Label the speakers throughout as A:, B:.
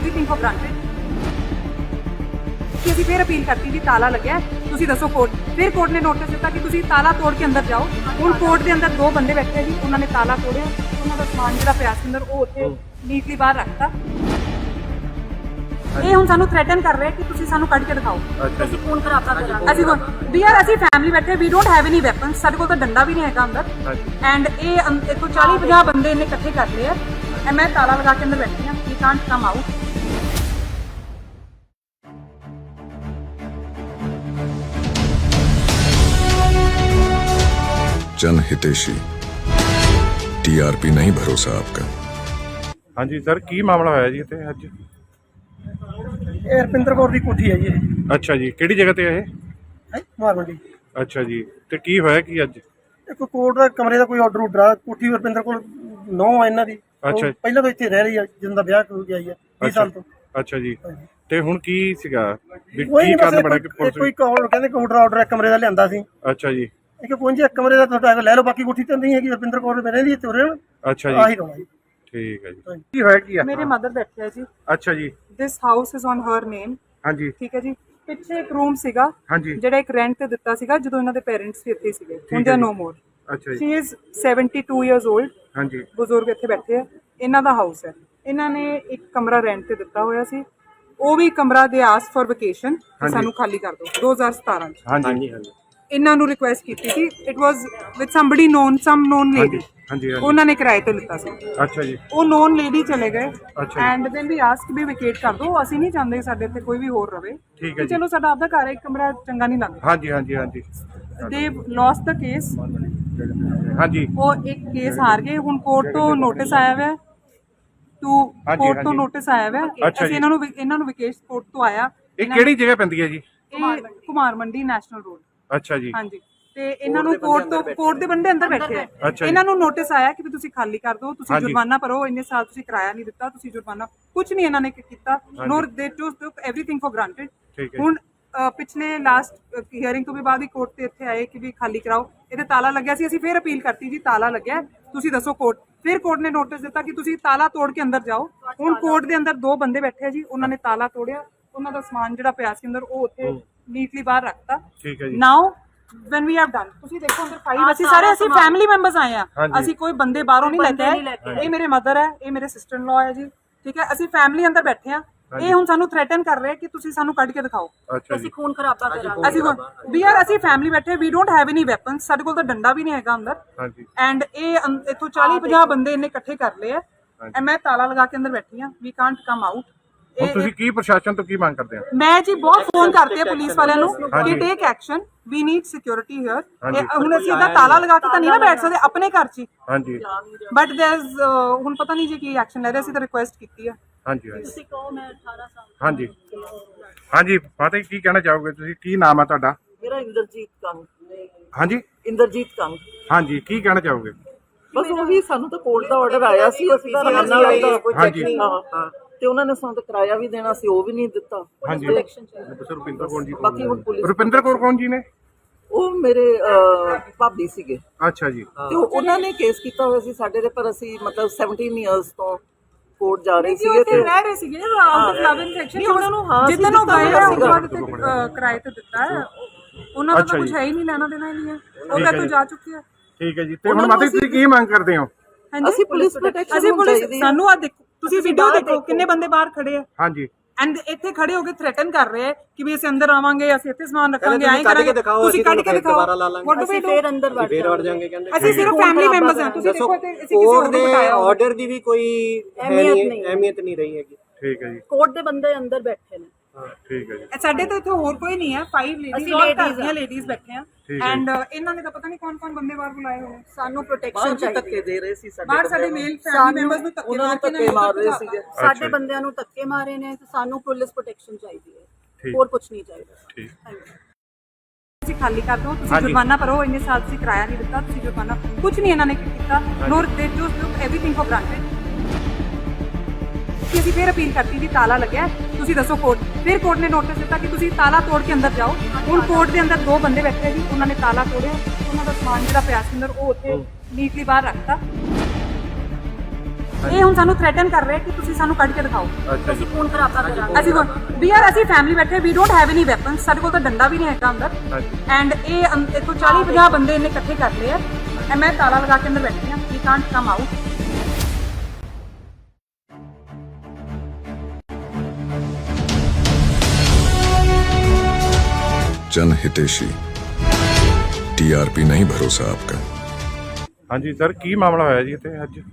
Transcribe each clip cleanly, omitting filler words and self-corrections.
A: everything for granted. कि ਅਸੀਂ ਫਿਰ ਅਪੀਲ ਕਰਤੀ ਜੀ ਤਾਲਾ ਲੱਗਿਆ ਤੁਸੀਂ ਦੱਸੋ ਕੋਰਟ ਫਿਰ ਕੋਰਟ ਨੇ ਨੋਟਿਸ ਦਿੱਤਾ ਕਿ ਤੁਸੀਂ ਤਾਲਾ ਤੋੜ ਕੇ ਅੰਦਰ ਜਾਓ। ਹੁਣ ਕੋਰਟ ਦੇ ਅੰਦਰ ਦੋ ਬੰਦੇ ਬੈਠੇ ਜੀ, ਉਹਨਾਂ ਨੇ ਤਾਲਾ ਤੋੜਿਆ, ਉਹਨਾਂ ਦਾ ਸਮਾਨ ਜਿਹੜਾ ਪਿਆ ਸੀ ਅੰਦਰ ਉਹ ਉੱਥੇ ਨੀਟਲੀ ਬਾਹਰ ਰੱਖਤਾ। ਇਹ ਹੁਣ ਸਾਨੂੰ ਥ੍ਰੈਟਨ ਕਰ ਰਹੇ ਕਿ ਤੁਸੀਂ ਸਾਨੂੰ ਕੱਢ ਕੇ ਦਿਖਾਓ।
B: ਅਸੀਂ ਫੋਨ ਖਰਾਬਾ ਕਰਾਂਗੇ।
A: ਅਸੀਂ ਫੈਮਿਲੀ ਬੈਠੇ, we don't have any weapons, ਸਾਡੇ ਕੋਲ ਤਾਂ ਡੰਡਾ ਵੀ ਨਹੀਂ ਹੈਗਾ ਅੰਦਰ। ਐਂਡ ਇਹ ਇੱਥੋਂ 40-50 ਬੰਦੇ ਇਹਨੇ ਇਕੱਠੇ ਕਰ ਲਏ ਆ। ਮੈਂ ਤਾਲਾ ਲਗਾ ਕੇ ਅੰਦਰ ਬੈਠੀ ਹਾਂ, ਵੀ ਕਾਂਟ ਕਮ ਆਊਟ।
C: जन हितेशी टीआरपी नहीं भरोसा आपका।
D: हाँ जी सर, की मामला होया जी इत्थे अज?
E: ਇਹ ਰਪਿੰਦਰ ਕੌਰ ਦੀ ਕੋਠੀ ਹੈ ਜੀ ਇਹ।
D: अच्छा जी, किहड़ी जगह ते है?
E: ਮਾਰ ਮੰਡੀ।
D: अच्छा जी, ते की होया की अज?
E: ਇੱਕ ਕੋਰਟ ਦਾ ਕਮਰੇ ਦਾ ਕੋਈ ਆਰਡਰ ਆ, ਕੋਠੀ ਰਪਿੰਦਰ ਕੋਲ 9 ਆ ਇਹਨਾਂ ਦੀ।
D: ਅੱਛਾ।
E: ਉਹ ਪਹਿਲਾਂ ਤੋਂ ਇੱਥੇ ਰਹਿ ਰਹੀ ਆ, ਜਦੋਂ ਦਾ ਵਿਆਹ ਹੋ ਗਿਆ ਹੈ 20 ਸਾਲ ਤੋਂ।
D: अच्छा जी, ਤੇ ਹੁਣ ਕੀ ਸੀਗਾ ਵੀ
E: ਕੋਈ
D: ਕੀ
E: ਨਹੀਂ,
D: ਕਰਨ ਬੜਾ ਕਿ
E: ਬਸ
D: ਪੁਲਿਸ?
E: ਕੋਈ ਕਾਲ ਕਹਿੰਦੇ ਕੋਰਟ ਦਾ ਆਰਡਰ ਕਮਰੇ ਦਾ ਲਿਆਂਦਾ ਸੀ।
D: ਅੱਛਾ ਜੀ,
E: ਇੱਕ ਪਹੁੰਚੇ ਕਮਰੇ ਦਾ ਤੁਹਾਡਾ ਲੈ ਲਓ, ਬਾਕੀ ਕੋਠੀ ਤੇ ਨਹੀਂ ਹੈਗੀ। ਰਪਿੰਦਰ ਕੌਰ ਮੇਰੇ ਦੀ ਤੁਰੇ
D: ਅੱਛਾ
E: ਆਹੀ
D: ਜੀ,
E: ਰੋਣਾ ਜੀ।
D: ਠੀਕ ਹੈ ਜੀ। ਕੀ ਹੋਇਆ ਕੀ ਆ?
A: ਮੇਰੇ ਮਦਰ ਬੈਠੇ ਆ ਜੀ।
D: ਅੱਛਾ ਜੀ,
A: this house is on her name.
D: ਹਾਂਜੀ
A: ਠੀਕ ਹੈ ਜੀ। ਪਿੱਛੇ ਇੱਕ ਰੂਮ ਸੀਗਾ
D: ਹਾਂਜੀ,
A: ਜਿਹੜਾ ਇੱਕ ਰੈਂਟ ਤੇ ਦਿੱਤਾ ਸੀਗਾ ਜਦੋਂ ਇਹਨਾਂ ਦੇ ਪੇਰੈਂਟਸ ਵੀ ਇੱਥੇ ਸੀਗੇ। ਹੁਣ ਦੇ ਨੋ ਮੋਰ।
D: ਅੱਛਾ ਜੀ,
A: ਸ਼ੀ ਇਜ਼ 72 ਇਅਰਸ 올ਡ।
D: ਹਾਂਜੀ
A: ਬਜ਼ੁਰਗ ਇੱਥੇ ਬੈਠੇ ਆ। ਇਹਨਾਂ ਦਾ ਹਾਊਸ ਹੈ। ਇਹਨਾਂ ਨੇ ਇੱਕ ਕਮਰਾ ਰੈਂਟ ਤੇ ਦਿੱਤਾ ਹੋਇਆ ਸੀ। ਉਹ ਵੀ ਕਮਰਾ ਦੇ ਆਸ ਫॉर ਵਕੇਸ਼ਨ ਸਾਨੂੰ ਖਾਲੀ ਕਰ ਦਿਓ 2017 ਚ।
D: ਹਾਂਜੀ
A: ਇਹਨਾਂ ਨੂੰ ਰਿਕੁਐਸਟ ਕੀਤੀ ਸੀ। It was with somebody known, some known lady.
D: ਹਾਂਜੀ
A: ਉਹਨਾਂ ਨੇ ਕਿਰਾਏ ਤੇ ਲਿੱਤਾ ਸੀ।
D: ਅੱਛਾ ਜੀ,
A: ਉਹ ਨੋਨ ਲੇਡੀ ਚਲੇ ਗਏ
D: ਅੱਛਾ
A: and then we ask we vacate ਕਰ ਦਿਓ। ਅਸੀਂ ਨਹੀਂ ਚਾਹੁੰਦੇ ਸਾਡੇ ਇੱਥੇ ਕੋਈ ਵੀ ਹੋਰ ਰਵੇ।
D: ਠੀਕ ਹੈ ਜੀ।
A: ਚਲੋ ਸਾਡਾ ਆਪਦਾ ਘਰ ਹੈ, ਇੱਕ ਕਮਰਾ ਚੰਗਾ ਨਹੀਂ ਲੱਗਦਾ।
D: ਹਾਂਜੀ ਹਾਂਜੀ ਹਾਂਜੀ
A: ਦੇ ਲੋਸਟ ਦਾ ਕੇਸ।
D: ਹਾਂਜੀ
A: ਉਹ ਇੱਕ ਕੇਸ ਹਾਰ ਗਏ। ਹੁਣ ਕੋਰਟ ਤੋਂ ਨੋਟਿਸ ਆਇਆ ਹੋਇਆ ਕੋਰਟ ਤੋਂ ਨੋਟਿਸ ਆਇਆ ਹੋਇਆ।
D: ਅੱਛਾ
A: ਅਸੀਂ
D: ਜੀ।
A: ਇਹਨਾਂ ਨੂੰ ਵਿਕੇਸ਼ ਕੋਰਟ ਤੋਂ ਆਇਆ।
D: ਇਹ ਕਿਹੜੀ ਜਗ੍ਹਾ ਪੈਂਦੀ ਹੈ ਜੀ?
A: ਇਹ ਕੁਮਾਰ ਮੰਡੀ ਨੈਸ਼ਨਲ ਰੋਡ।
D: ਅੱਛਾ ਜੀ,
A: ਹਾਂਜੀ। ਤੇ ਇਹਨਾਂ ਨੂੰ ਕੋਰਟ ਦੇ ਬੰਦੇ ਅੰਦਰ ਬੈਠੇ ਆ।
D: ਅੱਛਾ ਜੀ।
A: ਇਹਨਾਂ ਨੂੰ ਨੋਟਿਸ ਆਇਆ ਕਿ ਵੀ ਤੁਸੀਂ ਖਾਲੀ ਕਰ ਦਿਓ, ਤੁਸੀਂ
D: ਹਾਂਜੀ।
A: ਜੁਰਮਾਨਾ ਭਰੋ, ਇੰਨੇ ਸਾਲ ਤੁਸੀਂ ਕਿਰਾਇਆ ਨਹੀਂ ਦਿੱਤਾ, ਤੁਸੀਂ ਜੁਰਮਾਨਾ। ਕੁਝ ਨਹੀਂ ਇਹਨਾਂ ਨੇ ਕੀਤਾ। ਨੋਰ ਦੇ ਟੁਕ ਐਵਰੀਥਿੰਗ ਫॉर ਗ੍ਰਾਂਟਡ।
D: ਠੀਕ ਹੈ।
A: ਹੁਣ ਪਿਛਲੇ ਲਾਸਟ ਹੀਅਰਿੰਗ ਤੋਂ ਵੀ ਬਾਅਦ ਹੀ ਕੋਰਟ ਤੇ ਇੱਥੇ ਆਏ ਕਿ ਵੀ ਖਾਲੀ ਕਰਾਓ। ਇਹਦੇ ਤਾਲਾ ਲੱਗਿਆ ਸੀ। ਅਸੀਂ ਫਿਰ ਅਪੀਲ ਕਰਤੀ ਜੀ ਤਾਲਾ ਲੱਗਿਆ ਤੁਸੀਂ ਦੱਸੋ ਕੋਰਟ। ਫਿਰ ਕੋਰਟ ਨੇ ਨੋਟਿਸ ਦਿੱਤਾ ਕਿ ਤੁਸੀਂ ਤਾਲਾ ਤੋੜ ਕੇ ਅੰਦਰ ਜਾਓ। ਹੁਣ ਕੋਰਟ ਦੇ ਅੰਦਰ ਦੋ ਬੰਦੇ ਬੈਠੇ ਆ ਜੀ, ਉਹਨਾਂ ਨੇ ਤਾਲਾ ਤੋੜਿਆ, ਉਹਨਾਂ ਦਾ ਸਮਾਨ ਜਿਹੜਾ ਪਿਆ ਸੀ ਅੰਦਰ ਉਹ ਉੱਥੇ ਨੀਟਲੀ ਬਾਹਰ ਰੱਖਤਾ।
D: ਠੀਕ ਹੈ ਜੀ।
A: ਨਾਓ when we have done, ਤੁਸੀਂ ਦੇਖੋ ਅੰਦਰ ਫਾਈਲ, ਅਸੀਂ ਸਾਰੇ ਫੈਮਿਲੀ ਮੈਂਬਰਸ ਆਏ ਆ। ਅਸੀਂ ਕੋਈ ਬੰਦੇ ਬਾਹਰੋਂ ਨਹੀਂ ਲੈ ਕੇ ਆਏ। ਇਹ ਮੇਰੇ ਮਦਰ ਹੈ, ਇਹ ਮੇਰੇ ਸਿਸਟਰ ਇਨ ਲਾਅ ਹੈ ਜੀ। ਠੀਕ ਹੈ, ਅਸੀਂ ਫੈਮਿਲੀ ਅੰਦਰ ਬੈਠੇ ਆ। ਇਹ ਹੁਣ ਸਾਨੂੰ ਥ੍ਰੈਟਨ ਕਰ ਰਹੇ ਕਿ ਤੁਸੀਂ ਸਾਨੂੰ ਕੱਢ ਕੇ ਦਿਖਾਓ।
D: ਅੱਛਾ ਜੀ,
B: ਅਸੀਂ ਖੂਨ ਖਰਾਬਾ ਕਰਾਂਗੇ।
A: ਅਸੀਂ ਫੈਮਿਲੀ ਬੈਠੇ, we don't have any weapons, ਸਾਡੇ ਕੋਲ ਤਾਂ ਡੰਡਾ ਵੀ ਨਹੀਂ ਹੈਗਾ ਅੰਦਰ।
D: ਹਾਂਜੀ
A: ਐਂਡ ਇਹ ਇੱਥੋਂ 40-50 ਬੰਦੇ ਇਹਨੇ ਇਕੱਠੇ ਕਰ ਲਏ ਆ। ਮੈਂ ਤਾਲਾ ਲਗਾ ਕੇ ਅੰਦਰ ਬੈਠੀ ਆ, ਵੀ ਕਾਂਟ ਕਮ ਆਊਟ।
D: ਹੁਣ ਤੁਸੀਂ ਕੀ ਪ੍ਰਸ਼ਾਸਨ ਤੋਂ ਕੀ ਮੰਗ ਕਰਦੇ ਹੋ?
A: ਮੈਂ ਜੀ ਬਹੁਤ ਫੋਨ ਕਰਤੇ ਆ ਪੁਲਿਸ ਵਾਲਿਆਂ ਨੂੰ ਕਿ take action, we need security here. ਹੁਣ ਅਸੀਂ ਇਹਦਾ ਤਾਲਾ ਲਗਾ ਕੇ ਤਾਂ ਨਹੀਂ ਨਾ ਬੈਠ ਸਕਦੇ ਆਪਣੇ ਘਰ 'ਚ।
D: ਹਾਂਜੀ
A: ਬਟ ਦੇयर इज ਹੁਣ ਪਤਾ ਨਹੀਂ ਜੀ ਕੀ ਐਕਸ਼ਨ ਲੈ ਰਹੇ। ਅਸੀਂ ਤਾਂ ਰਿਕੁਐਸਟ ਕੀਤੀ ਆ।
D: ਹਾਂਜੀ
B: ਤੁਸੀਂ ਕਹੋ ਮੈਂ 18 ਸਾਲ।
D: ਹਾਂਜੀ ਹਾਂਜੀ ਫਤਿਹ, ਕੀ ਕਹਿਣਾ ਚਾਹੋਗੇ ਤੁਸੀਂ? ਕੀ ਨਾਮ ਹੈ ਤੁਹਾਡਾ?
B: ਮੇਰਾ ਇੰਦਰਜੀਤ ਕੰਗ।
D: ਹਾਂਜੀ
B: ਇੰਦਰਜੀਤ ਕੰਗ।
D: ਹਾਂਜੀ, ਕੀ ਕਹਿਣਾ ਚਾਹੋਗੇ?
B: ਬਸ ਉਹੀ, ਸਾਨੂੰ ਤਾਂ ਕੋਰਟ ਦਾ ਆਰਡਰ ਆਇਆ ਸੀ, ਅਸੀਂ ਤਾਂ ਰਹਿਣਾ ਲੱਗਦਾ।
D: ਹਾਂਜੀ।
B: ਹਾਂ, ਤੇ ਉਹਨਾਂ ਨੇ ਸਾਨੂੰ ਤਾਂ ਕਿਰਾਇਆ ਵੀ ਦੇਣਾ ਸੀ, ਉਹ ਵੀ ਨਹੀਂ ਦਿੱਤਾ।
D: ਹਾਂਜੀ।
B: ਰੁਪਿੰਦਰ ਕੌਰ ਜੀ। ਬਾਕੀ ਹੁਣ ਪੁਲਿਸ।
D: ਰੁਪਿੰਦਰ ਕੌਰ ਕੌਣ ਜੀ ਨੇ?
B: ਉਹ ਮੇਰੇ ਭਾਬੀ ਸੀਗੇ।
D: ਅੱਛਾ ਜੀ,
B: ਤੇ ਉਹਨਾਂ ਨੇ ਕੇਸ ਕੀਤਾ ਹੋਇਆ ਸੀ ਸਾਡੇ ਦੇ, ਪਰ ਅਸੀਂ ਮਤਲਬ 17 ਇਅਰਸ ਤੋਂ ਕੋਰਟ ਜਾ ਰਹੇ ਸੀਗੇ ਤੇ
A: ਰਹਿ ਰਹੇ ਸੀਗੇ out of love in section. ਉਹਨਾਂ ਨੂੰ ਜਿੱਦਾਂ ਨੂੰ ਗਏ ਆ ਕਿਰਾਏ ਤੇ ਦਿੱਤਾ ਹੈ। ਉਹਨਾਂ ਦਾ ਤਾਂ ਕੁਝ ਹੈ ਹੀ ਨਹੀਂ, ਲੈਣਾ ਦੇਣਾ ਹੀ ਨਹੀਂ ਹੈ। ਉਹ ਤਾਂ ਤੋਂ ਜਾ ਚੁੱਕੇ ਆ।
D: ਠੀਕ ਹੈ ਜੀ। ਤੇ ਹੁਣ ਮਾਤਾ ਤੁਸੀਂ ਕੀ ਮੰਗ ਕਰਦੇ ਹੋ?
B: ਅਸੀਂ ਪੁਲਿਸ ਪ੍ਰੋਟੈਕਸ਼ਨ
A: ਅਸੀਂ ਪੁਲਿਸ ਸਾਨੂੰ ਆ ਦੇਖੋ, ਤੁਸੀਂ ਵੀਡੀਓ ਦੇਖੋ ਕਿੰਨੇ ਬੰਦੇ ਬਾਹਰ ਖੜੇ ਆ।
D: ਹਾਂਜੀ
A: ਐਂਡ ਇੱਥੇ ਖੜੇ ਹੋ ਕੇ ਥ੍ਰੈਟਨ ਕਰ ਰਹੇ ਆ ਕਿ ਵੀ ਅਸੀਂ ਅੰਦਰ ਆਵਾਂਗੇ, ਅਸੀਂ ਇੱਥੇ ਸਮਾਨ ਰੱਖਾਂਗੇ, ਐਂ ਕਰਾਂਗੇ। ਤੁਸੀਂ ਕੱਢ ਕੇ ਦਿਖਾਓ।
B: ਅਸੀਂ ਫੇਰ ਅੰਦਰ ਵੜ ਜਾਵਾਂਗੇ।
F: ਕਹਿੰਦੇ
A: ਅਸੀਂ ਸਿਰਫ ਫੈਮਿਲੀ ਮੈਂਬਰਸ ਹਾਂ। ਤੁਸੀਂ ਦੇਖੋ ਤੇ ਅਸੀਂ ਕਿਸੇ
F: ਕੋਰਟ
A: ਨੂੰ
F: ਦੇ
A: ਬਿਠਾਇਆ
F: ਆਰਡਰ ਦੀ ਵੀ ਕੋਈ ਅਹਿਮੀਅਤ ਨਹੀਂ ਰਹੀ ਹੈਗੀ।
D: ਠੀਕ ਹੈ ਜੀ,
B: ਕੋਰਟ ਦੇ ਬੰਦੇ ਅੰਦਰ ਬੈਠੇ ਨੇ।
D: ਠੀਕ ਹੈ ਜੀ।
A: ਸਾਡੇ ਤਾਂ ਇੱਥੇ ਹੋਰ ਕੋਈ ਨਹੀਂ ਹੈ। 5 ਲੇਡੀਜ਼ ਬੈਠੇ ਆ। ਐਂਡ ਇਹਨਾਂ ਨੇ ਤਾਂ ਪਤਾ ਨਹੀਂ ਕੌਣ ਬੰਦੇ ਬਾਹਰ ਬੁਲਾਏ ਹੋਏ।
B: ਸਾਨੂੰ ਪ੍ਰੋਟੈਕਸ਼ਨ ਚਾਹੀਦੀ। ਧੱਕੇ ਦੇ ਰਹੇ ਸੀ
A: ਬਾਹਰ ਸਾਡੇ ਮੇਲ ਫੈਮਿਲੀ ਮੈਂਬਰਸ ਨੂੰ
B: ਧੱਕੇ ਮਾਰ ਰਹੇ ਸੀਗੇ। ਸਾਡੇ ਬੰਦਿਆਂ ਨੂੰ ਧੱਕੇ ਮਾਰੇ ਨੇ ਤੇ ਸਾਨੂੰ ਪੁਲਿਸ ਪ੍ਰੋਟੈਕਸ਼ਨ ਚਾਹੀਦੀ ਹੈ, ਹੋਰ ਕੁਝ ਨਹੀਂ ਚਾਹੀਦਾ।
D: ਠੀਕ।
A: ਤੁਸੀਂ ਖਾਲੀ ਕਰ ਦਿਓ, ਤੁਸੀਂ ਜੁਰਮਾਨਾ ਭਰੋ, ਇੰਨੇ ਸਾਲ ਤੁਸੀਂ ਕਿਰਾਇਆ ਨਹੀਂ ਦਿੱਤਾ, ਤੁਸੀਂ ਜੁਰਮਾਨਾ। ਕੁਝ ਨਹੀਂ ਇਹਨਾਂ ਨੇ ਕੀਤਾ। ਨੋਰ ਦੇ ਟੁਕ ਐਵਰੀਥਿੰਗ ਫॉर ਗ੍ਰਾਂਟਡ। ਅਸੀਂ ਫਿਰ ਅਪੀਲ ਕਰਤੀ ਜੀ ਤਾਲਾ ਲੱਗਿਆ ਤੁਸੀਂ ਦੱਸੋ ਕੋਰਟ। ਫਿਰ ਕੋਰਟ ਨੇ ਨੋਟਿਸ ਦਿੱਤਾ ਕਿ ਤੁਸੀਂ ਤਾਲਾ ਤੋੜ ਕੇ ਅੰਦਰ ਜਾਓ। ਹੁਣ ਕੋਰਟ ਦੇ ਅੰਦਰ ਦੋ ਬੰਦੇ ਬੈਠੇ ਆ ਜੀ, ਉਹਨਾਂ ਨੇ ਤਾਲਾ ਤੋੜਿਆ, ਉਹਨਾਂ ਦਾ ਸਮਾਨ ਜਿਹੜਾ ਪਿਆ ਸੀ ਅੰਦਰ ਉਹ ਉੱਥੇ ਨੀਟਲੀ ਬਾਹਰ ਰੱਖਤਾ। ਇਹ ਹੁਣ ਸਾਨੂੰ ਥ੍ਰੈਟਨ ਕਰ ਰਹੇ ਕਿ ਤੁਸੀਂ ਸਾਨੂੰ ਕੱਢ ਕੇ ਦਿਖਾਓ।
D: ਅੱਛਾ ਜੀ।
B: ਖੂਨ ਖਰਾਬਾ ਕਰਾਂਗੇ।
A: ਅਸੀਂ ਫੈਮਿਲੀ ਬੈਠੇ, we don't have any weapons, ਸਾਡੇ ਕੋਲ ਤਾਂ ਡੰਡਾ ਵੀ ਨਹੀਂ ਹੈਗਾ ਅੰਦਰ।
D: ਹਾਂਜੀ।
A: ਐਂਡ ਇਹ ਇੱਥੋਂ 40-50 ਬੰਦੇ ਇਹਨੇ ਇਕੱਠੇ ਕਰ ਲਏ ਆ। ਮੈਂ ਤਾਲਾ ਲਗਾ ਕੇ ਅੰਦਰ ਬੈਠੀ ਹਾਂ, ਵੀ ਕਾਂਟ ਕਮ ਆਊਟ।
C: जन हितेशी टीआरपी नहीं भरोसा आपका।
D: ਹਾਂਜੀ ਸਰ, ਕੀ ਮਾਮਲਾ ਹੋਇਆ ਜੀ ਇੱਥੇ ਅੱਜ?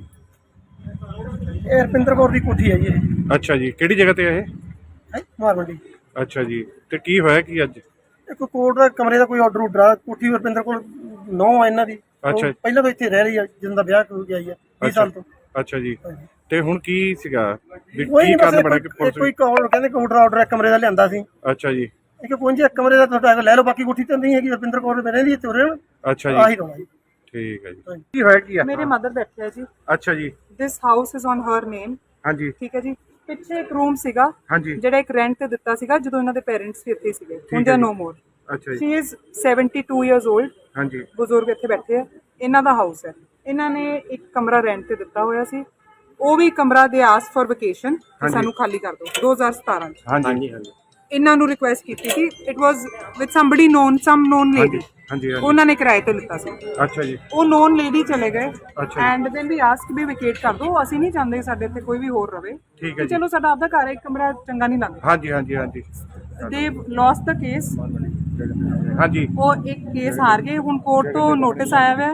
E: ਇਹ ਰੁਪਿੰਦਰ ਕੌਰ ਦੀ ਕੋਠੀ ਹੈ ਜੀ ਇਹ
D: ਅੱਛਾ ਜੀ, ਕਿਹੜੀ ਜਗ੍ਹਾ ਤੇ ਹੈ ਇਹ?
E: ਹੈ ਕੁਮਾਰ ਮੰਡੀ।
D: ਅੱਛਾ ਜੀ, ਤੇ ਕੀ ਹੋਇਆ ਕੀ ਅੱਜ?
E: ਇੱਕ ਕੋਰਟ ਦਾ ਕਮਰੇ ਦਾ ਕੋਈ ਆਰਡਰ ਉਡਰਾ, ਕੋਠੀ ਰੁਪਿੰਦਰ ਕੋਲ 9 ਆ ਇਹਨਾਂ ਦੀ।
D: ਅੱਛਾ।
E: ਉਹ ਪਹਿਲਾਂ ਤੋਂ ਇੱਥੇ ਰਹਿ ਰਹੀ ਹੈ, ਜਦੋਂ ਦਾ ਵਿਆਹ ਹੋ ਗਿਆ 20 ਸਾਲ ਤੋਂ।
D: ਅੱਛਾ ਜੀ, ਤੇ ਹੁਣ ਕੀ ਸੀਗਾ ਵੀ
E: ਕੋਈ
D: ਕੀ
E: ਨਹੀਂ,
D: ਕਾਰਨ
E: ਬਸ
D: ਬਣਾ ਕੇ ਪੁਲਿਸ?
E: ਕੋਈ ਕਾਲ ਕਹਿੰਦੇ ਕੋਰਟ ਦਾ ਆਰਡਰ ਹੈ ਕਮਰੇ ਦਾ ਲਿਆਂਦਾ ਸੀ।
D: ਅੱਛਾ ਜੀ।
E: ਇੱਕ ਕੋਈ ਜੀ ਕਮਰੇ ਦਾ ਤੁਹਾਡਾ ਲੈ ਲਓ, ਬਾਕੀ ਕੋਠੀ ਤਾਂ ਨਹੀਂ ਹੈਗੀ। ਰੁਪਿੰਦਰ ਕੌਰ ਮੇਰੇ ਦੀ ਇੱਥੇ ਰਹਿਣ।
D: ਅੱਛਾ
E: ਆਹੀ
D: ਜੀ,
E: ਰੋਣਾ ਜੀ।
D: ਠੀਕ ਹੈ ਜੀ। ਕੀ ਹੋਇਆ ਕੀ ਆ?
A: ਮੇਰੇ ਮਦਰ ਬੈਠੇ ਆ ਜੀ।
D: ਅੱਛਾ ਜੀ।
A: This house is on her name.
D: ਹਾਂਜੀ।
A: ਠੀਕ ਹੈ ਜੀ। ਪਿੱਛੇ ਇੱਕ ਰੂਮ ਸੀਗਾ
D: ਹਾਂਜੀ।
A: ਜਿਹੜਾ ਇੱਕ ਰੈਂਟ ਤੇ ਦਿੱਤਾ ਸੀਗਾ ਜਦੋਂ ਇਹਨਾਂ ਦੇ ਪੇਰੈਂਟਸ ਵੀ ਇੱਥੇ ਸੀਗੇ। ਹੁਣ
D: ਹੈ
A: ਦੇ
D: ਜੀ।
A: ਨੋ ਮੋਰ।
D: ਅੱਛਾ ਜੀ।
A: She is 72 years old.
D: ਹਾਂਜੀ।
A: ਬਜ਼ੁਰਗ ਇੱਥੇ ਬੈਠੇ ਆ। ਇਹਨਾਂ ਦਾ ਹਾਊਸ ਹੈ। ਇਹਨਾਂ ਨੇ ਇੱਕ ਕਮਰਾ ਰੈਂਟ ਤੇ ਦਿੱਤਾ ਹੋਇਆ ਸੀ। ਉਹ ਵੀ ਕਮਰਾ ਦੇ ਆਸ ਫॉर ਵਕੇਸ਼ਨ ਸਾਨੂੰ ਖਾਲੀ ਕਰ ਦਿਓ 2017 ਚ।
D: ਹਾਂਜੀ।
F: ਹਾਂਜੀ।
A: ਇਹਨਾਂ ਨੂੰ ਰਿਕੁਐਸਟ ਕੀਤੀ ਸੀ। It was with somebody known, some known lady.
D: ਹਾਂਜੀ।
A: ਉਹਨਾਂ ਨੇ ਕਿਰਾਏ ਤੇ ਲਿੱਤਾ ਸੀ।
D: ਅੱਛਾ ਜੀ।
A: ਉਹ ਨੋਨ ਲੇਡੀ ਚਲੇ ਗਏ।
D: ਅੱਛਾ।
A: And then we ask we vacate ਕਰ ਦਿਓ। ਅਸੀਂ ਨਹੀਂ ਚਾਹੁੰਦੇ ਸਾਡੇ ਇੱਥੇ ਕੋਈ ਵੀ ਹੋਰ ਰਵੇ।
D: ਠੀਕ ਹੈ ਜੀ।
A: ਚਲੋ ਸਾਡਾ ਆਪਦਾ ਘਰ ਹੈ, ਇੱਕ ਕਮਰਾ ਚੰਗਾ ਨਹੀਂ ਲੱਗਦਾ।
D: ਹਾਂਜੀ। ਹਾਂਜੀ।
A: ਦੇ ਲੋਸਟ ਦਾ ਕੇਸ।
D: ਹਾਂਜੀ।
A: ਉਹ ਇੱਕ ਕੇਸ ਹਾਰ ਗਏ। ਹੁਣ ਕੋਰਟ ਤੋਂ ਨੋਟਿਸ ਆਇਆ ਹੋਇਆ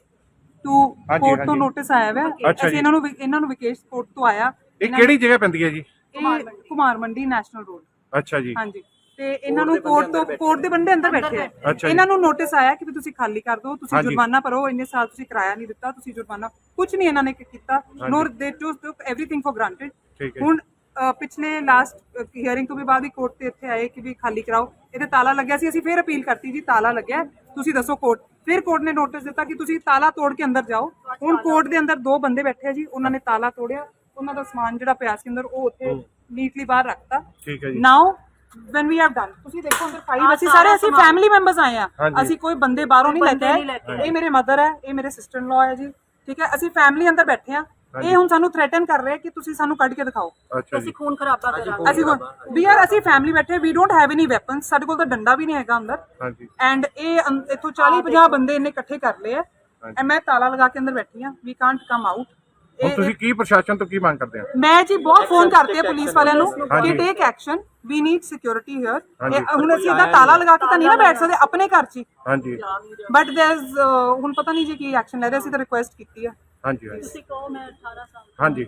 A: ਕੋਰਟ ਤੋਂ ਨੋਟਿਸ ਆਇਆ ਹੋਇਆ।
D: ਅੱਛਾ
A: ਅਸੀਂ
D: ਜੀ।
A: ਇਹਨਾਂ ਨੂੰ ਵਿਕੇਸ਼ ਕੋਰਟ ਤੋਂ ਆਇਆ।
D: ਇਹ ਕਿਹੜੀ ਜਗ੍ਹਾ ਪੈਂਦੀ ਹੈ ਜੀ?
A: ਇਹ ਕੁਮਾਰ ਮੰਡੀ ਨੈਸ਼ਨਲ ਰੋਡ।
D: ਅੱਛਾ ਜੀ।
A: ਹਾਂਜੀ। ਤੇ ਇਹਨਾਂ ਨੂੰ ਕੋਰਟ ਦੇ ਬੰਦੇ ਅੰਦਰ ਬੈਠੇ ਆ।
D: ਅੱਛਾ ਜੀ।
A: ਇਹਨਾਂ ਨੂੰ ਨੋਟਿਸ ਆਇਆ ਕਿ ਵੀ ਤੁਸੀਂ ਖਾਲੀ ਕਰ ਦਿਓ, ਤੁਸੀਂ
D: ਹਾਂਜੀ।
A: ਜੁਰਮਾਨਾ ਭਰੋ, ਇੰਨੇ ਸਾਲ ਤੁਸੀਂ ਕਿਰਾਇਆ ਨਹੀਂ ਦਿੱਤਾ, ਤੁਸੀਂ ਜੁਰਮਾਨਾ। ਕੁਝ ਨਹੀਂ ਇਹਨਾਂ ਨੇ ਕੀਤਾ। ਨੋਰ ਦੇ ਟੂਕ ਐਵਰੀਥਿੰਗ ਫॉर ਗ੍ਰਾਂਟਡ।
D: ਠੀਕ ਹੈ।
A: ਹੁਣ ਪਿਛਲੇ ਲਾਸਟ ਹੀਅਰਿੰਗ ਤੋਂ ਵੀ ਬਾਅਦ ਹੀ ਕੋਰਟ ਤੇ ਇੱਥੇ ਆਏ ਕਿ ਵੀ ਖਾਲੀ ਕਰਾਓ। ਇਹਦੇ ਤਾਲਾ ਲੱਗਿਆ ਸੀ। ਅਸੀਂ ਫਿਰ ਅਪੀਲ ਕਰਤੀ ਜੀ ਤਾਲਾ ਲੱਗਿਆ, ਤੁਸੀਂ ਦੱਸੋ ਕੋਰਟ। ਫਿਰ ਕੋਰਟ ਨੇ ਨੋਟਿਸ ਦਿੱਤਾ ਕਿ ਤੁਸੀਂ ਤਾਲਾ ਤੋੜ ਕੇ ਅੰਦਰ ਜਾਓ। ਹੁਣ ਕੋਰਟ ਦੇ ਅੰਦਰ 2 ਬੰਦੇ ਬੈਠੇ ਆ ਜੀ। ਉਹਨਾਂ ਨੇ ਤਾਲਾ ਤੋੜਿਆ। ਉਹਨਾਂ ਦਾ ਸਮਾਨ ਜਿਹੜਾ ਪਿਆ ਸੀ ਅੰਦਰ ਉਹ ਉੱਥੇ ਨੀਟਲੀ ਬਾਹਰ ਰੱਖਤਾ।
D: ਠੀਕ ਹੈ ਜੀ।
A: ਨਾਓ when we have done, ਤੁਸੀਂ ਦੇਖੋ ਅੰਦਰ 5 ਅਸੀਂ ਫੈਮਿਲੀ ਮੈਂਬਰਸ ਆਏ ਆ। ਅਸੀਂ ਕੋਈ ਬੰਦੇ ਬਾਹਰੋਂ ਨਹੀਂ ਲੈ ਕੇ ਆਏ। ਇਹ ਮੇਰੇ ਮਦਰ ਹੈ, ਇਹ ਮੇਰੇ ਸਿਸਟਰ ਇਨ ਲਾਅ ਹੈ ਜੀ। ਠੀਕ ਹੈ। ਅਸੀਂ ਫੈਮਿਲੀ ਅੰਦਰ ਬੈਠੇ ਆ। ਇਹ ਹੁਣ ਸਾਨੂੰ ਥ੍ਰੈਟਨ ਕਰ ਰਹੇ ਕਿ ਤੁਸੀਂ ਸਾਨੂੰ ਕੱਢ ਕੇ ਦਿਖਾਓ।
D: ਅੱਛਾ ਜੀ।
B: ਅਸੀਂ ਖੂਨ ਖਰਾਬਾ ਕਰਾਂਗੇ।
A: ਅਸੀਂ ਫੈਮਿਲੀ ਬੈਠੇ, we don't have any weapons, ਸਾਡੇ ਕੋਲ ਤਾਂ ਡੰਡਾ ਵੀ ਨਹੀਂ ਹੈਗਾ ਅੰਦਰ।
D: ਹਾਂਜੀ।
A: ਐਂਡ ਇੱਥੋਂ 40-50 ਬੰਦੇ ਇਹਨੇ ਇਕੱਠੇ ਕਰ ਲਏ ਆ। ਮੈਂ ਤਾਲਾ ਲਗਾ ਕੇ ਅੰਦਰ ਬੈਠੀ ਆ। We can't come out.
D: ਹੁਣ ਤੁਸੀਂ ਕੀ ਪ੍ਰਸ਼ਾਸਨ ਤੋਂ ਕੀ ਮੰਗ ਕਰਦੇ ਆ?
A: ਮੈਂ ਜੀ ਬਹੁਤ ਫੋਨ ਕਰਤੇ ਆ ਪੁਲਿਸ ਵਾਲਿਆਂ ਨੂੰ ਕਿ take action, we need security here. ਹੁਣ ਅਸੀਂ ਇਹਦਾ ਤਾਲਾ ਲਗਾ ਕੇ ਤਾਂ ਨਹੀਂ ਨਾ ਬੈਠ ਸਕਦੇ ਆਪਣੇ ਘਰ 'ਚ।
D: ਹਾਂਜੀ।
A: ਬਟ ਦੇयर इज ਹੁਣ ਪਤਾ ਨਹੀਂ ਜੀ ਕੀ ਐਕਸ਼ਨ ਲੈ ਰਹੇ। ਅਸੀਂ ਤਾਂ ਰਿਕੁਐਸਟ ਕੀਤੀ ਆ।
D: ਹਾਂਜੀ।
B: ਤੁਸੀਂ ਕਹੋ ਮੈਂ 18 ਸਾਲ।
D: ਹਾਂਜੀ।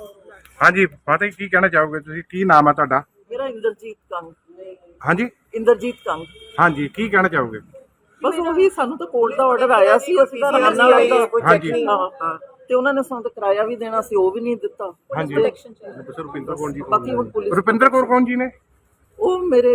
D: ਹਾਂਜੀ। ਫਤਿਹ, ਕੀ ਕਹਿਣਾ ਚਾਹੋਗੇ ਤੁਸੀਂ? ਕੀ ਨਾਮ ਹੈ ਤੁਹਾਡਾ?
G: ਮੇਰਾ ਇੰਦਰਜੀਤ ਕੰਗ।
D: ਹਾਂਜੀ।
G: ਇੰਦਰਜੀਤ ਕੰਗ।
D: ਹਾਂਜੀ। ਕੀ ਕਹਿਣਾ ਚਾਹੋਗੇ?
G: ਬਸ ਉਹੀ, ਸਾਨੂੰ ਤਾਂ ਕੋਰਟ ਦਾ ਆਰਡਰ ਆਇਆ ਸੀ, ਅਸੀਂ ਤਾਂ ਰਹਿਣਾ ਹੋਇਆ।
D: ਹਾਂਜੀ।
G: ਹਾਂ। ਤੇ ਉਹਨਾਂ ਨੇ ਸਾਨੂੰ ਤਾਂ ਕਿਰਾਇਆ ਵੀ ਦੇਣਾ ਸੀ, ਉਹ ਵੀ ਨਹੀਂ ਦਿੱਤਾ।
D: ਹਾਂਜੀ।
F: ਰੁਪਿੰਦਰ ਕੌਰ ਜੀ।
G: ਬਾਕੀ ਹੁਣ ਪੁਲਿਸ,
D: ਰੁਪਿੰਦਰ ਕੌਰ ਕੌਣ ਜੀ ਨੇ?
G: ਉਹ ਮੇਰੇ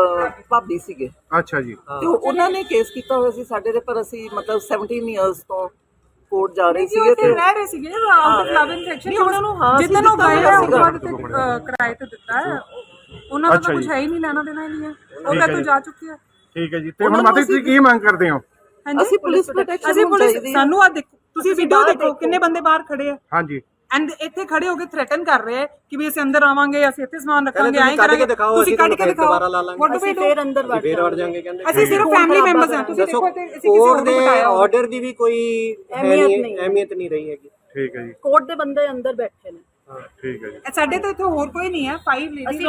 G: ਭਾਬੀ ਸੀਗੇ।
D: ਅੱਛਾ ਜੀ।
G: ਤੇ ਉਹਨਾਂ ਨੇ ਕੇਸ ਕੀਤਾ ਹੋਇਆ ਸੀ ਸਾਡੇ ਦੇ, ਪਰ ਅਸੀਂ ਮਤਲਬ 17 ਇਅਰਸ ਤੋਂ ਕੋਰਟ ਜਾ ਰਹੇ ਸੀਗੇ ਤੇ
A: ਰਹਿ ਰਹੇ ਸੀਗੇ out of love and section. ਉਹਨਾਂ ਨੂੰ ਜਿੱਦਨ ਉਹ ਗਏ ਆ ਉਹ ਬਾਅਦ ਤੇ ਕਿਰਾਏ ਤੇ ਦਿੱਤਾ ਹੈ। ਉਹਨਾਂ ਦਾ ਤਾਂ ਕੁਝ ਹੈ ਹੀ ਨਹੀਂ, ਲੈਣਾ ਦੇਣਾ ਹੀ ਨਹੀਂ ਹੈ। ਉਹ ਤਾਂ ਜਾ ਚੁੱਕੇ ਆ।
D: ਠੀਕ ਹੈ ਜੀ। ਤੇ ਹੁਣ ਮਾਤਾ ਜੀ ਤੁਸੀਂ ਕੀ ਮੰਗ ਕਰਦੇ ਹੋ?
G: ਅਸੀਂ ਪੁਲਿਸ ਪ੍ਰੋਟੈਕਸ਼ਨ
A: ਅਸੀਂ ਪੁਲਿਸ ਸਾਨੂੰ ਆ ਦੇਖੋ, ਤੁਸੀਂ ਵੀਡੀਓ ਦੇਖੋ ਕਿੰਨੇ ਬੰਦੇ ਬਾਹਰ ਖੜੇ ਆ।
D: ਹਾਂਜੀ।
A: ਐਂਡ ਇੱਥੇ ਖੜੇ ਹੋ ਕੇ ਥ੍ਰੈਟਨ ਕਰ ਰਹੇ ਕਿ ਵੀ ਅਸੀਂ ਅੰਦਰ ਆਵਾਂਗੇ, ਅਸੀਂ ਇੱਥੇ ਸਮਾਨ ਰੱਖਾਂਗੇ, ਐਂ ਕਰਾਂਗੇ। ਤੁਸੀਂ ਕੱਢ ਕੇ ਦਿਖਾਓ।
B: ਅਸੀਂ ਫੇਰ ਅੰਦਰ ਵੜ
F: ਫੇਰ ਜਾਾਂਗੇ ਕਹਿੰਦੇ।
A: ਅਸੀਂ ਸਿਰਫ ਫੈਮਿਲੀ ਮੈਂਬਰਸ ਹਾਂ। ਤੁਸੀਂ ਦੇਖੋ ਤੇ ਅਸੀਂ ਕਿਸੇ
F: ਕੋਰਟ
A: ਨੂੰ
F: ਦੇ
A: ਬਿਠਾਇਆ
F: ਆਰਡਰ ਦੀ ਵੀ ਕੋਈ ਅਹਿਮੀਅਤ ਨਹੀਂ ਰਹੀ ਹੈਗੀ।
D: ਠੀਕ ਹੈ ਜੀ।
B: ਕੋਰਟ ਦੇ ਬੰਦੇ ਅੰਦਰ ਬੈਠੇ ਨੇ।
D: ਠੀਕ ਹੈ ਜੀ।
A: ਸਾਡੇ ਤਾਂ ਇੱਥੇ ਹੋਰ ਕੋਈ ਨਹੀਂ ਹੈ। 5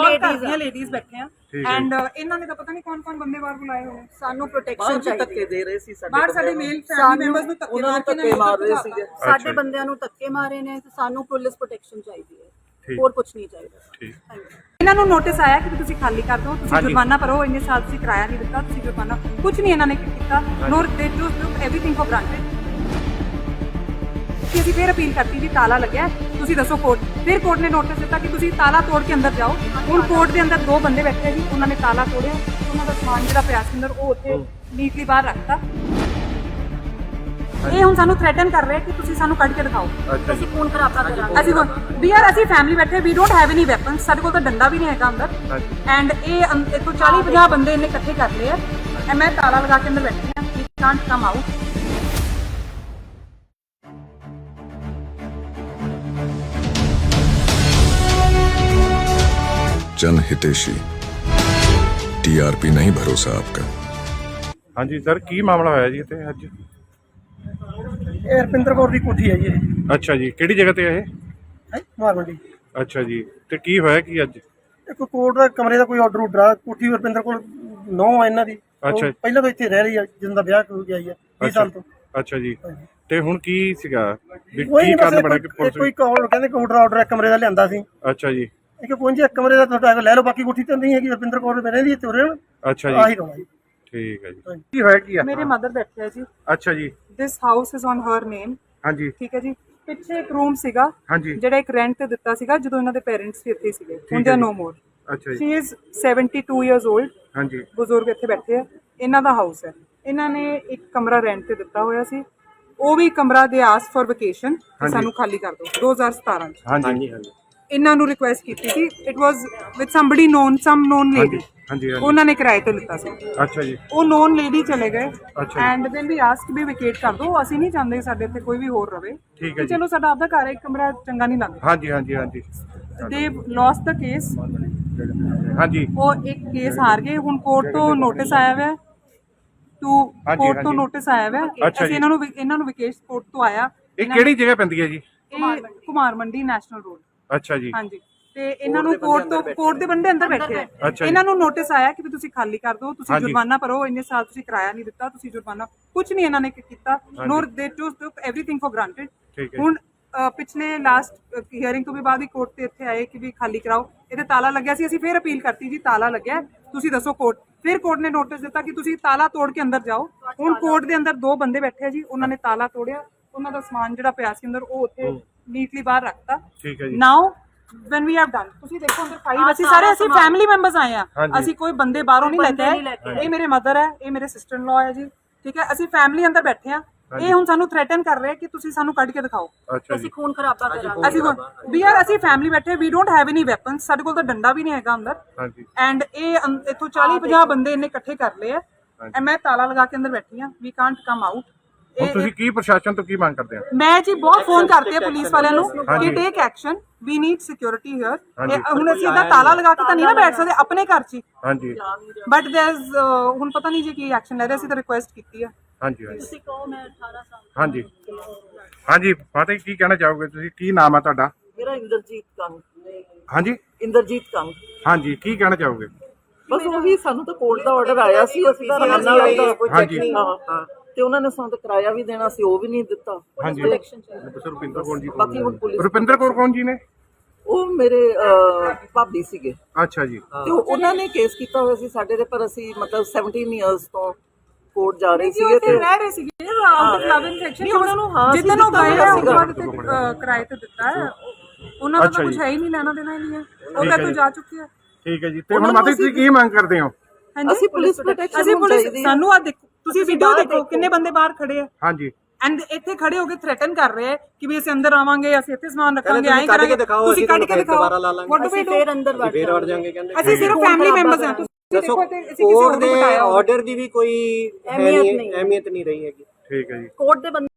A: ਲੇਡੀਜ਼ ਬੈਠੇ ਆ। ਐਂਡ ਇਹਨਾਂ ਨੇ ਤਾਂ ਪਤਾ ਨਹੀਂ ਕੌਣ ਬੰਦੇ ਬਾਹਰ ਬੁਲਾਏ ਹੋਏ।
B: ਸਾਨੂੰ ਪ੍ਰੋਟੈਕਸ਼ਨ ਚਾਹੀਦੀ।
G: ਧੱਕੇ ਦੇ ਰਹੇ ਸੀ ਸਾਡੇ,
A: ਬਾਹਰ ਸਾਡੇ ਮੇਲ ਫੈਮਿਲੀ ਮੈਂਬਰਸ ਨੂੰ ਧੱਕੇ
G: ਮਾਰ ਰਹੇ ਸੀਗੇ।
B: ਸਾਡੇ ਬੰਦਿਆਂ ਨੂੰ ਧੱਕੇ ਮਾਰੇ ਨੇ ਤੇ ਸਾਨੂੰ ਪੁਲਿਸ ਪ੍ਰੋਟੈਕਸ਼ਨ ਚਾਹੀਦੀ ਹੈ। ਹੋਰ ਕੁਝ ਨਹੀਂ ਚਾਹੀਦਾ।
D: ਠੀਕ।
A: ਇਹਨਾਂ ਨੂੰ ਨੋਟਿਸ ਆਇਆ ਕਿ ਤੁਸੀਂ ਖਾਲੀ ਕਰ ਦਿਓ, ਤੁਸੀਂ ਜੁਰਮਾਨਾ ਭਰੋ, ਇੰਨੇ ਸਾਲ ਤੁਸੀਂ ਕਿਰਾਇਆ ਨਹੀਂ ਦਿੱਤਾ, ਤੁਸੀਂ ਜੁਰਮਾਨਾ। ਕੁਝ ਨਹੀਂ ਇਹਨਾਂ ਨੇ ਕੀਤਾ। ਨੋਰ ਦੇ ਟੂਕ ਐਵਰੀਥਿੰਗ ਫॉर ਗ੍ਰਾਂਟਡ। ਅਸੀਂ ਫਿਰ ਅਪੀਲ ਕਰਤੀ ਜੀ ਤਾਲਾ ਲੱਗਿਆ, ਤੁਸੀਂ ਦੱਸੋ ਕੋਰਟ। ਫਿਰ ਕੋਰਟ ਨੇ ਨੋਟਿਸ ਦਿੱਤਾ ਕਿ ਤੁਸੀਂ ਤਾਲਾ ਤੋੜ ਕੇ ਅੰਦਰ ਜਾਓ। ਹੁਣ ਕੋਰਟ ਦੇ ਅੰਦਰ 2 ਬੰਦੇ ਬੈਠੇ ਜੀ। ਉਹਨਾਂ ਨੇ ਤਾਲਾ ਤੋੜਿਆ। ਉਹਨਾਂ ਦਾ ਸਮਾਨ ਜਿਹੜਾ ਪਿਆ ਸੀ ਅੰਦਰ ਉਹ ਉੱਥੇ ਨੀਟਲੀ ਬਾਹਰ ਰੱਖਤਾ। ਇਹ ਹੁਣ ਸਾਨੂੰ ਥ੍ਰੈਟਨ ਕਰ ਰਹੇ ਕਿ ਤੁਸੀਂ ਸਾਨੂੰ ਕੱਢ ਕੇ ਦਿਖਾਓ।
B: ਅਸੀਂ ਖੂਨ ਖਰਾਬਾ ਕਰਾਂਗੇ।
A: ਅਸੀਂ ਫੈਮਿਲੀ ਬੈਠੇ, we don't have any weapons, ਸਾਡੇ ਕੋਲ ਤਾਂ ਡੰਡਾ ਵੀ ਨਹੀਂ ਹੈਗਾ ਅੰਦਰ। ਐਂਡ ਇੱਥੋਂ 40-50 ਬੰਦੇ ਇਹਨੇ ਇਕੱਠੇ ਕਰ ਲਏ ਆ। ਮੈਂ ਤਾਲਾ ਲਗਾ ਕੇ ਅੰਦਰ ਬੈਠੀ ਹਾਂ। We can't come out.
C: जन हितेशी टीआरपी नहीं भरोसा आपका।
D: ਹਾਂਜੀ ਸਰ ਕੀ ਮਾਮਲਾ ਹੋਇਆ ਜੀ ਇੱਥੇ ਅੱਜ?
E: ਇਹ ਰੁਪਿੰਦਰ ਕੌਰ ਦੀ ਕੋਠੀ ਹੈ ਜੀ ਇਹ
D: ਅੱਛਾ ਜੀ, ਕਿਹੜੀ ਜਗ੍ਹਾ ਤੇ ਹੈ ਇਹ?
E: ਹੈ ਮਾਰ ਮੰਡੀ।
D: ਅੱਛਾ ਜੀ, ਤੇ ਕੀ ਹੋਇਆ ਕੀ ਅੱਜ?
E: ਇੱਕ ਕੋਰਟ ਦਾ ਕਮਰੇ ਦਾ ਕੋਈ ਆਰਡਰ ਆ ਕੋਠੀ ਰੁਪਿੰਦਰ ਕੋਲ 9 ਆ ਇਹਨਾਂ ਦੀ। ਉਹ
D: ਅੱਛਾ।
E: ਪਹਿਲਾਂ ਤੋਂ ਇੱਥੇ ਰਹਿ ਰਹੀ ਆ ਜਦੋਂ ਦਾ ਵਿਆਹ ਹੋ ਗਿਆ ਹੈ 20 ਸਾਲ ਤੋਂ।
D: ਅੱਛਾ ਜੀ, ਤੇ ਹੁਣ ਕੀ ਸੀਗਾ ਵੀ
E: ਕੋਈ
D: ਕੀ
E: ਨਹੀਂ
D: ਕਾਰਨ ਬਣਾ
E: ਬਸ
D: ਕੇ
E: ਕੋਈ
D: ਪੁਲਿਸ?
E: ਕਾਲ ਕਹਿੰਦੇ ਕਿ ਆਰਡਰ ਹੈ ਕਮਰੇ ਦਾ ਲਿਆਂਦਾ ਸੀ।
D: ਅੱਛਾ ਜੀ,
E: ਇੱਕ ਪੁੰਜ ਇੱਕ ਕਮਰੇ ਦਾ ਤੁਹਾਡਾ ਲੈ ਲਓ, ਬਾਕੀ ਕੋਠੀ ਤਾਂ ਨਹੀਂ ਹੈਗੀ। ਰੁਪਿੰਦਰ ਕੌਰ ਮੇਰੇ ਦੀ ਇੱਥੇ ਰਹਿਣ
D: ਅੱਛਾ
E: ਆਹੀ
D: ਜੀ,
E: ਰੋਣਾ ਜੀ।
D: ਠੀਕ ਹੈ ਜੀ। ਕੀ ਹੋਇਆ ਕੀ ਆ?
A: ਮੇਰੇ ਮਦਰ ਬੈਠੇ ਆ ਜੀ।
D: ਅੱਛਾ ਜੀ,
A: this house is on her name.
D: ਹਾਂਜੀ
A: ਠੀਕ ਹੈ ਜੀ। ਪਿੱਛੇ ਇੱਕ ਰੂਮ ਸੀਗਾ
D: ਹਾਂਜੀ,
A: ਜਿਹੜਾ ਇੱਕ ਰੈਂਟ ਤੇ ਦਿੱਤਾ ਸੀਗਾ ਜਦੋਂ ਇਹਨਾਂ ਦੇ ਪੇਰੈਂਟਸ ਵੀ ਇੱਥੇ ਸੀਗੇ। ਹੁਣ
D: ਹੈ
A: ਦੇ
D: ਜੀ।
A: ਨੋ ਮੋਰ।
D: ਅੱਛਾ ਜੀ,
A: ਸ਼ੀ ਇਜ਼ 72 ਇਅਰਸ 올ਡ।
D: ਹਾਂਜੀ
A: ਬਜ਼ੁਰਗ ਇੱਥੇ ਬੈਠੇ ਆ। ਇਹਨਾਂ ਦਾ ਹਾਊਸ ਹੈ। ਇਹਨਾਂ ਨੇ ਇੱਕ ਕਮਰਾ ਰੈਂਟ ਤੇ ਦਿੱਤਾ ਹੋਇਆ ਸੀ। ਉਹ ਵੀ ਕਮਰਾ ਦੇ ਆਸ ਫॉर ਵਕੇਸ਼ਨ ਸਾਨੂੰ ਖਾਲੀ ਕਰ ਦਿਓ 2017 ਚ।
D: ਹਾਂਜੀ
A: ਇਹਨਾਂ ਨੂੰ ਰਿਕੁਐਸਟ ਕੀਤੀ ਸੀ। It was with somebody known some known lady.
D: ਹਾਂਜੀ ਹਾਂਜੀ,
A: ਉਹਨਾਂ ਨੇ ਕਿਰਾਏ ਤੇ ਲਿੱਤਾ ਸੀ।
D: ਅੱਛਾ ਜੀ,
A: ਉਹ ਨੋਨ ਲੇਡੀ ਚਲੇ ਗਏ
D: ਅੱਛਾ ਜੀ।
A: And then we ask we vacate ਕਰ ਦਿਓ। ਅਸੀਂ ਨਹੀਂ ਚਾਹੁੰਦੇ ਸਾਡੇ ਇੱਥੇ ਕੋਈ ਵੀ ਹੋਰ ਰਵੇ।
D: ਠੀਕ ਹੈ ਜੀ।
A: ਚਲੋ ਸਾਡਾ ਆਪਦਾ ਘਰ ਹੈ, ਇੱਕ ਕਮਰਾ ਚੰਗਾ ਨਹੀਂ ਲੱਗਦਾ।
D: ਹਾਂਜੀ ਹਾਂਜੀ ਹਾਂਜੀ
A: ਦੇ ਲੌਸ ਦਾ ਕੇਸ।
D: ਹਾਂਜੀ,
A: ਉਹ ਇੱਕ ਕੇਸ ਹਾਰ ਗਏ। ਹੁਣ ਕੋਰਟ ਤੋਂ ਨੋਟਿਸ ਆਇਆ ਹੋਇਆ ਟੂ ਕੋਰਟ ਤੋਂ
D: ਹਾਂਜੀ।
A: ਨੋਟਿਸ ਆਇਆ ਹੋਇਆ।
D: ਅੱਛਾ
A: ਅਸੀਂ
D: ਜੀ।
A: ਇਹਨਾਂ ਨੂੰ ਵਿਕੇਸ਼ ਕੋਰਟ ਤੋਂ ਆਇਆ।
D: ਇਹ ਕਿਹੜੀ ਜਗ੍ਹਾ ਪੈਂਦੀ ਹੈ ਜੀ?
A: ਇਹ ਕੁਮਾਰ ਮੰਡੀ ਨੈਸ਼ਨਲ ਰੋਡ।
D: ਅੱਛਾ ਜੀ,
A: ਹਾਂਜੀ। ਤੇ ਇਹਨਾਂ ਨੂੰ ਕੋਰਟ ਦੇ ਬੰਦੇ ਅੰਦਰ ਬੈਠੇ ਆ।
D: ਅੱਛਾ ਜੀ।
A: ਇਹਨਾਂ ਨੂੰ ਨੋਟਿਸ ਆਇਆ ਕਿ ਵੀ ਤੁਸੀਂ ਖਾਲੀ ਕਰ ਦਿਓ, ਤੁਸੀਂ
D: ਹਾਂਜੀ।
A: ਜੁਰਮਾਨਾ ਭਰੋ, ਇੰਨੇ ਸਾਲ ਤੁਸੀਂ ਕਿਰਾਇਆ ਨਹੀਂ ਦਿੱਤਾ, ਤੁਸੀਂ ਜੁਰਮਾਨਾ। ਕੁਝ ਨਹੀਂ ਇਹਨਾਂ ਨੇ ਕੀਤਾ। ਨੋਰ ਦੇ ਟੁਕ ਐਵਰੀਥਿੰਗ ਫॉर ਗ੍ਰਾਂਟਡ।
D: ਠੀਕ ਹੈ।
A: ਹੁਣ ਪਿਛਲੇ ਲਾਸਟ ਹੀਅਰਿੰਗ ਤੋਂ ਵੀ ਬਾਅਦ ਹੀ ਕੋਰਟ ਤੇ ਇੱਥੇ ਆਏ ਕਿ ਵੀ ਖਾਲੀ ਕਰਾਓ। ਇਹਦੇ ਤਾਲਾ ਲੱਗਿਆ ਸੀ। ਅਸੀਂ ਫੇਰ ਅਪੀਲ ਕਰਤੀ ਜੀ ਤਾਲਾ ਲੱਗਿਆ, ਤੁਸੀਂ ਦੱਸੋ ਕੋਰਟ। ਫਿਰ ਕੋਰਟ ਨੇ ਨੋਟਿਸ ਦਿੱਤਾ ਕਿ ਤੁਸੀਂ ਤਾਲਾ ਤੋੜ ਕੇ ਅੰਦਰ ਜਾਓ। ਹੁਣ ਕੋਰਟ ਦੇ ਅੰਦਰ 2 ਬੰਦੇ ਬੈਠੇ ਆ ਜੀ। ਉਹਨਾਂ ਨੇ ਤਾਲਾ ਤੋੜਿਆ। ਉਹਨਾਂ ਦਾ ਸਮਾਨ ਜਿਹੜਾ ਪਿਆ ਸੀ ਅੰਦਰ ਉਹ ਉੱਥੇ ਨੀਟਲੀ ਬਾਹਰ ਰੱਖਤਾ।
D: ਠੀਕ ਹੈ ਜੀ।
A: ਨਾਓ when we have done, ਤੁਸੀਂ ਦੇਖੋ ਅੰਦਰ 5 ਅਸੀਂ ਫੈਮਿਲੀ ਮੈਂਬਰਸ ਆਏ ਆ।
D: ਹਾਂਜੀ।
A: ਅਸੀਂ ਕੋਈ ਬੰਦੇ ਬਾਹਰੋਂ ਨਹੀਂ ਲੈ ਕੇ ਆਏ। ਇਹ ਮੇਰੇ ਮਦਰ ਹੈ, ਇਹ ਮੇਰੇ ਸਿਸਟਰ ਇਨ ਲਾ ਹੈ ਜੀ। ਠੀਕ ਹੈ। ਅਸੀਂ ਫੈਮਿਲੀ ਅੰਦਰ ਬੈਠੇ ਆ। ਇਹ ਹੁਣ ਸਾਨੂੰ ਥ੍ਰੈਟਨ ਕਰ ਰਹੇ ਕਿ ਤੁਸੀਂ ਸਾਨੂੰ ਕੱਢ ਕੇ ਦਿਖਾਓ।
D: ਅੱਛਾ ਜੀ,
B: ਅਸੀਂ ਖੂਨ ਖਰਾਬਾ ਕਰਾਂਗੇ।
A: ਅਸੀਂ ਫੈਮਿਲੀ ਬੈਠੇ, we don't have any weapons. ਸਾਡੇ ਕੋਲ ਤਾਂ ਡੰਡਾ ਵੀ ਨਹੀਂ ਹੈਗਾ ਅੰਦਰ।
D: ਹਾਂਜੀ
A: ਐਂਡ ਇਹ ਇੱਥੋਂ 40-50 ਬੰਦੇ ਇਹਨੇ ਇਕੱਠੇ ਕਰ ਲਏ ਆ। ਐ ਮੈਂ ਤਾਲਾ ਲਗਾ ਕੇ ਅੰਦਰ ਬੈਠੀ ਆ। We can't come out.
D: ਹੁਣ ਤੁਸੀਂ ਕੀ ਪ੍ਰਸ਼ਾਸਨ ਤੋਂ ਕੀ ਮੰਗ ਕਰਦੇ ਆ?
A: ਮੈਂ ਜੀ ਬਹੁਤ ਫੋਨ ਕਰਤੇ ਆ ਪੁਲਿਸ ਵਾਲਿਆਂ ਨੂੰ
D: ਹਾਂਜੀ।
A: ਕਿ take action, we need security here.
D: ਹਾਂਜੀ।
A: ਹੁਣ ਅਸੀਂ ਇਹਦਾ ਤਾਲਾ ਲਗਾ ਕੇ ਤਾਂ ਨਹੀਂ ਨਾ ਬੈਠ ਸਕਦੇ ਆਪਣੇ ਘਰ 'ਚ।
D: ਹਾਂਜੀ
A: ਬਟ ਦੇयर इज ਹੁਣ ਪਤਾ ਨਹੀਂ ਜੀ ਕੀ ਐਕਸ਼ਨ ਲੈ ਰਹੇ। ਅਸੀਂ ਤਾਂ ਰਿਕੁਐਸਟ ਕੀਤੀ ਆ।
D: ਹਾਂਜੀ ਹਾਂਜੀ
B: ਤੁਸੀਂ ਕਹੋ ਮੈਂ 18 ਸਾਲ
D: ਹਾਂਜੀ ਹਾਂਜੀ, ਫਤਿਹ ਕੀ ਕਹਿਣਾ ਚਾਹੋਗੇ ਤੁਸੀਂ? ਕੀ ਨਾਮ ਹੈ ਤੁਹਾਡਾ?
G: ਮੇਰਾ ਇੰਦਰਜੀਤ ਕੰਗ।
D: ਹਾਂਜੀ
G: ਇੰਦਰਜੀਤ ਕੰਗ।
D: ਹਾਂਜੀ, ਕੀ ਕਹਿਣਾ ਚਾਹੋਗੇ?
G: ਬਸ ਉਹੀ ਸਾਨੂੰ ਤਾਂ ਕੋਰਟ ਦਾ ਆਰਡਰ ਆਇਆ ਸੀ। ਅਸੀਂ ਤਾਂ ਰਹਿਣ ਨਾਲ
D: ਹਾਂਜੀ
G: ਹਾਂ, ਤੇ ਉਹਨਾਂ ਨੇ ਸਾਨੂੰ ਤਾਂ ਕਿਰਾਇਆ ਵੀ ਦੇਣਾ ਸੀ, ਉਹ ਵੀ ਨਹੀਂ ਦਿੱਤਾ।
D: ਹਾਂਜੀ, ਰੁਪਿੰਦਰ ਕੌਰ ਜੀ।
G: ਬਾਕੀ ਹੁਣ ਪੁਲਿਸ
D: ਰੁਪਿੰਦਰ ਕੌਰ ਕੌਣ ਜੀ ਨੇ?
G: ਉਹ ਮੇਰੇ ਭਾਬੀ ਸੀਗੇ
D: ਅੱਛਾ ਜੀ,
G: ਤੇ ਉਹਨਾਂ ਨੇ ਕੇਸ ਕੀਤਾ ਹੋਇਆ ਸੀ ਸਾਡੇ ਤੇ, ਪਰ ਅਸੀਂ ਮਤਲਬ 17 ਇਅਰਸ ਤੋਂ ਕੋਰਟ ਜਾ ਰਹੇ ਸੀਗੇ ਤੇ
A: ਰਹਿ ਰਹੇ ਸੀਗੇ out of love in section.
G: ਉਹਨਾਂ ਨੂੰ ਹਾਂ
A: ਜਿੱਦਾਂ ਉਹ ਗਏ ਆ ਉਸ ਬਾਅਦ ਤੇ ਕਿਰਾਏ ਤੇ ਦਿੱਤਾ ਹੈ। ਉਹਨਾਂ ਦਾ
D: ਅੱਛਾ
A: ਤਾਂ ਕੁਝ
D: ਜੀ।
A: ਹੈ ਹੀ ਨਹੀਂ, ਲੈਣਾ ਦੇਣਾ ਹੀ ਨਹੀਂ ਹੈ। ਉਹ
D: ਠੀਕ
A: ਤਾਂ
D: ਹੈ
A: ਤੋਂ
D: ਜੀ।
A: ਜਾ ਚੁੱਕੀ ਹੈ।
D: ਠੀਕ ਹੈ ਜੀ। ਤੇ ਹੁਣ ਮਾਤਾ ਜੀ ਤੁਸੀਂ ਕੀ ਮੰਗ ਕਰਦੇ ਹੋ?
G: ਅਸੀਂ ਪੁਲਿਸ ਪ੍ਰੋਟੈਕਸ਼ਨ
A: ਅਸੀਂ ਪੁਲਿਸ
G: ਚਾਹੀਦੀ ਹੈ।
A: ਸਾਨੂੰ ਆ ਦੇਖੋ, ਤੁਸੀਂ ਵੀਡੀਓ ਦੇਖੋ ਕਿੰਨੇ ਬੰਦੇ ਬਾਹਰ ਖੜੇ ਆ।
D: ਹਾਂਜੀ
A: ਐਂਡ ਇੱਥੇ ਖੜੇ ਹੋ ਕੇ ਥ੍ਰੈਟਨ ਕਰ ਰਹੇ ਆ ਕਿ ਵੀ ਅਸੀਂ ਅੰਦਰ ਆਵਾਂਗੇ, ਅਸੀਂ ਇੱਥੇ ਸਮਾਨ ਰੱਖਾਂਗੇ, ਐਂ
F: ਕੱਢ ਕੇ
A: ਕਰਾਂਗੇ,
F: ਦਿਖਾਓ,
A: ਤੁਸੀਂ ਕੱਢ ਕੇ ਦਿਖਾਓ।
F: ਦੁਬਾਰਾ ਲਾ ਲਾਂਗੇ।
B: ਅਸੀਂ ਫੇਰ ਅੰਦਰ ਵੜ
F: ਫੇਰ ਵੜ ਜਾਾਂਗੇ ਕਹਿੰਦੇ।
A: ਅਸੀਂ ਸਿਰਫ ਫੈਮਿਲੀ ਮੈਂਬਰਸ ਹਾਂ। ਤੁਸੀਂ
F: ਦੱਸੋ
A: ਦੇਖੋ ਤੇ ਅਸੀਂ ਕਿਸੇ
F: ਕੋਰਟ
A: ਹੋਰ
F: ਦੇ
A: ਨੂੰ ਬਿਠਾਇਆ ਹੋਇਆ।
F: ਆਰਡਰ ਦੀ ਵੀ ਕੋਈ
B: ਅਹਿਮੀਅਤ ਨਹੀਂ।
F: ਅਹਿਮੀਅਤ ਨਹੀਂ ਰਹੀ ਹੈਗੀ।
D: ਠੀਕ ਹੈ ਜੀ।
B: ਕੋਰਟ ਦੇ ਬੰਦੇ